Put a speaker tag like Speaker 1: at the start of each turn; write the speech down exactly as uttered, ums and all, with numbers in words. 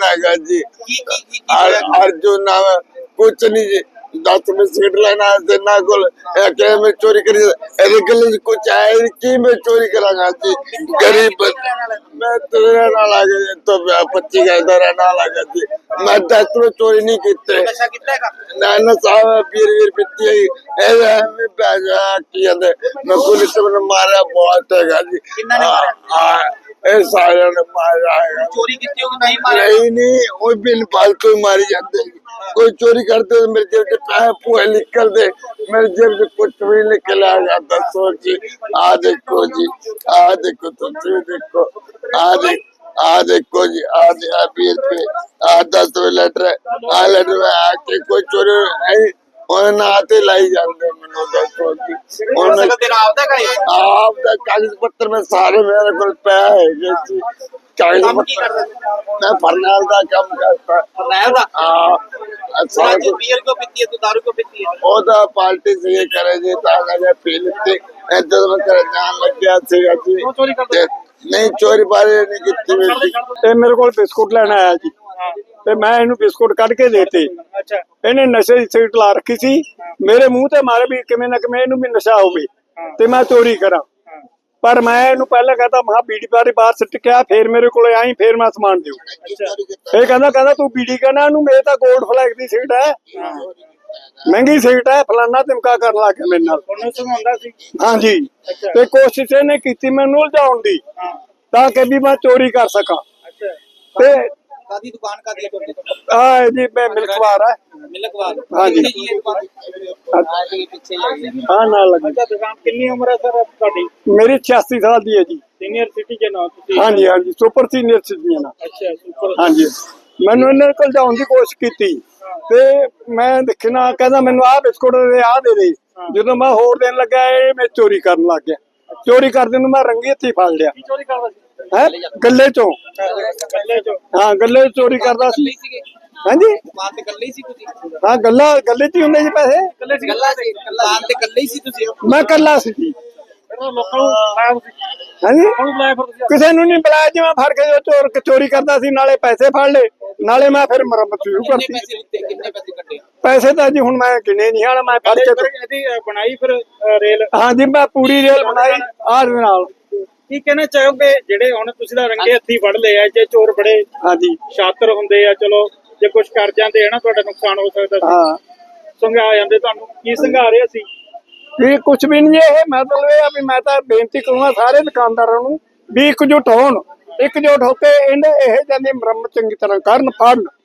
Speaker 1: हैगा जी। अर्जुन नाम है, कुछ नहीं जी। दस में सिगरेट लेना है ना को में चोरी करी गले कुछ आए की मैं चोरी करांगा जी। गरीब मैं तेरे ना लगे तो पच्ची का इधर ना लगा जी। मैं दस में चोरी नहीं कीते ना नशा बीर वीर पीती है ए मैं पैसा किया दे मैं पुलिस ने मारा बहुत है जी। ए सारे ने मारा है।
Speaker 2: चोरी कितनी होगी नहीं मारा
Speaker 1: नहीं नहीं वो बिन फालतू मारी जाते हैं। कोई चोरी करते तो मेरे जेब से पैसे पूरे निकल दे, मेरे जेब से कुछ भी निकल आ जाता। सोची आ देखो जी, आ देखो तो देखो आ देख आ देखो जी, आ बीस पे आ दस में लेटर आ लेटर में आके कोई चोरी नहीं उन्हें ना आते लाई जाते मैंने दसो जी। उन्हें
Speaker 2: तेरा आपदा का है
Speaker 1: आपदा कागज पत्र में सारे मेरे को पैसे जी। कागज पत्र मैं फरनाल का काम करता
Speaker 2: फरनाल का
Speaker 1: हाँ अच्छा
Speaker 2: जो बियर को पीती है तो दारू को पीती है
Speaker 1: ਉਹ ਤਾਂ ਪਾਰਟੀ ਸੀ ਕਰੇ ਜੀ ਤਾਂ ਲਗਾ ਪੀ ਲਿੱਤੇ ਇੱਧਰ ਮੈਂ ਕਰ ਜਾਣ ਲੱਗਿਆ ਸੀਗਾ ਜੀ। ਨਹੀਂ ਚੋਰੀ ਬਾਰੇ ਨਹੀਂ ਕੀਤੀ ਮੇਰੀ।
Speaker 3: ਇਹ ਮੇਰੇ ਕੋਲ ਬਿਸਕੁਟ ਲੈਣ ਆਇਆ ਜੀ ਤੇ ਮੈਂ ਇਹਨੂੰ ਬਿਸਕੁਟ ਕੱਢ ਕੇ ਦੇਤੇ। ਇਹਨੇ ਨਸ਼ੇ ਦੀ ਸਿਗਰਟ ਲਾ ਰੱਖੀ ਸੀ, ਮੇਰੇ ਮੂੰਹ ਤੇ ਮਾਰੇ ਵੀ ਕਿਵੇਂ ਨਾ ਕਿਵੇਂ ਇਹਨੂੰ ਵੀ ਨਸ਼ਾ ਹੋਵੇ ਤੇ ਮੈਂ ਚੋਰੀ ਕਰਾਂ। ਪਰ ਮੈਂ ਇਹਨੂੰ ਪਹਿਲਾਂ ਕਹਤਾ ਮਹਾ ਬੀੜੀ ਬਾਰੇ ਬਾਹਰ ਸਿੱਟ ਕੇ ਆ, ਫੇਰ ਮੇਰੇ ਕੋਲ ਆਈ ਫੇਰ ਮੈਂ ਸਮਾਨ ਦਿਓ। ਇਹ ਕਹਿੰਦਾ ਕਹਿੰਦਾ ਤੂੰ ਬੀੜੀ ਕਹਿਣਾ ਇਹਨੂੰ, ਮੇਰੇ ਤਾਂ ਗੋਲਡ ਫਲੈਗ ਦੀ ਸਿਗਰਟ ਹੈ, ਮਹਿੰਗੀ ਸਿਗਰਟ ਹੈ, ਫਲਾਨਾ ਧਮਕਾ ਕਰਨ ਲੱਗ ਗਿਆ ਮੇਰੇ ਨਾਲ। ਹਾਂਜੀ ਤੇ ਕੋਸ਼ਿਸ਼ ਇਹਨੇ ਕੀਤੀ ਮੈਨੂੰ ਉਲਝਾਉਣ ਦੀ ਤਾਂ ਕਿ ਵੀ ਮੈਂ ਚੋਰੀ ਕਰ ਸਕਾਂ। ਤੇ
Speaker 2: कादी दुकान का दिया
Speaker 3: ਆ ਜੀ ਮੈਂ ਮਿਲਕਵਾਰ ਹੈ।
Speaker 2: मिलकवार
Speaker 3: हाँ जी।
Speaker 2: पीछे
Speaker 3: ਹਾਂ ਨਾਲ ਲੱਗੀ।
Speaker 2: दुकान कितनी उम्र है सर ਤੁਹਾਡੀ?
Speaker 3: ਮੇਰੀ छियासी ਸਾਲ ਦੀ ਹੈ ਜੀ।
Speaker 2: सीनियर सिटीजन हो ਤੁਸੀਂ?
Speaker 3: ਹਾਂਜੀ ਹਾਂਜੀ ਸੁਪਰ ਸੀਨੀਅਰ ਸਿਟੀਜ਼ਨ ਆ।
Speaker 2: ਅੱਛਾ ਸੁਪਰ।
Speaker 3: ਹਾਂਜੀ ਮੈਨੂੰ ਇਹਨਾਂ ਕੋਲ ਜਾਣ ਦੀ ਕੋਸ਼ਿਸ਼ ਕੀਤੀ ਤੇ ਮੈਂ ਦੇਖਣਾ ਕਹਿੰਦਾ ਮੈਨੂੰ ਆਹ ਬਿਸਕੁਟ ਦੇ ਆਹ ਦੇ ਦੇ। ਜਦੋਂ ਮੈਂ ਹੋਰ ਦੇਣ ਲੱਗਾ ਇਹ ਮੈਂ ਚੋਰੀ ਕਰਨ ਲੱਗ ਗਿਆ। ਚੋਰੀ ਕਰਦੇ ਨੂੰ ਮੈਂ ਰੰਗੀ ਹੱਥੀ ਫੜ ਲਿਆ।
Speaker 2: ਚੋਰੀ ਕਰਦਾ ਸੀ
Speaker 3: ਹੈ ਗੱਲੇ ਚੋਂ।
Speaker 2: ਗੱਲੇ ਚੋਂ?
Speaker 3: ਹਾਂ ਗੱਲੇ ਚੋਰੀ ਕਰਦਾ ਸੀ। ਹਾਂਜੀ
Speaker 2: ਦੁਕਾਨ ਤੇ ਗੱਲੇ ਹੀ ਸੀ ਤੁਸੀਂ?
Speaker 3: ਹਾਂ ਗੱਲਾ ਗੱਲੇ ਚ ਹੀ ਹੁੰਦੇ ਜੀ ਪੈਸੇ।
Speaker 2: ਗੱਲੇ ਸੀ ਗੱਲਾ ਸੀ ਦੁਕਾਨ ਤੇ ਗੱਲੇ ਹੀ ਸੀ ਤੁਸੀਂ?
Speaker 3: ਮੈਂ ਕੱਲਾ ਸੀ ਜੀ।
Speaker 2: ਲੋਕਾਂ ਨੂੰ ਬੁਲਾਇਆ ਤੁਸੀਂ?
Speaker 3: ਹਾਂਜੀ
Speaker 2: ਕੌਣ ਬੁਲਾਇਆ ਫਿਰ ਤੁਸੀਂ?
Speaker 3: ਕਿਸੇ ਨੂੰ ਨਹੀਂ ਬੁਲਾਇਆ ਜੀ। ਮੈਂ ਫੜ ਕੇ ਚੋਰ ਚੋਰੀ ਕਰਦਾ ਸੀ, ਨਾਲੇ ਪੈਸੇ ਫੜ ਲਏ ਨਾਲੇ ਮੈਂ ਫਿਰ ਮੁਰੰਮਤ ਸ਼ੁਰੂ
Speaker 2: ਕਿੰਨੇ
Speaker 3: ਕਰਤੀ।
Speaker 2: ਪੈਸੇ ਲਿੱਤੇ ਕਿੰਨੇ ਪੈਸੇ ਕੱਢੇ?
Speaker 3: ਪੈਸੇ ਤਾਂ ਜੀ ਹੁਣ ਮੈਂ ਗਿਣੇ ਨਹੀਂ ਹਾਲ ਮੈਂ ਫੜ ਕੇ।
Speaker 2: ਇਹਦੀ ਬਣਾਈ ਫਿਰ ਰੇਲ?
Speaker 3: ਹਾਂ ਜੀ ਮੈਂ ਪੂਰੀ ਰੇਲ ਬਣਾਈ ਆਹ ਦੇ ਨਾਲ।
Speaker 2: ਕੀ ਕਹਿਣਾ ਚਾਹੋਗੇ ਜਿਹੜੇ ਹੁਣ ਤੁਸੀਂ ਤਾਂ ਰੰਗੇ ਹੱਥੀ ਫੜ ਲਏ ਆ, ਜੇ ਚੋਰ ਬੜੇ
Speaker 3: ਹਾਂਜੀ
Speaker 2: ਸ਼ਾਤਰ ਹੁੰਦੇ ਆ, ਚਲੋ ਜੇ ਕੁਝ ਕਰ ਜਾਂਦੇ ਆ ਨਾ ਤੁਹਾਡਾ ਨੁਕਸਾਨ ਹੋ ਸਕਦਾ ਸੀ,
Speaker 3: ਹਾਂ
Speaker 2: ਸੰਘਾ ਜਾਂਦੇ, ਤੁਹਾਨੂੰ ਕੀ ਸੰਘਾ ਰਹੇ ਸੀ?
Speaker 3: ਇਹ ਕੁਛ ਵੀ ਨਹੀਂ। ਇਹ ਮਤਲਬ ਇਹ ਆ ਵੀ ਮੈਂ ਤਾਂ ਬੇਨਤੀ ਕਰੂੰਗਾ ਸਾਰੇ ਦੁਕਾਨਦਾਰਾਂ ਨੂੰ ਵੀ ਇਕਜੁੱਟ ਹੋਣ, ਇਕਜੁੱਟ ਹੋ ਕੇ ਇਹਨੇ ਇਹ ਜਾਂਦੀ ਮੁਰੰਮਤ ਚੰਗੀ ਤਰ੍ਹਾਂ ਕਰਨ ਫੜਨ।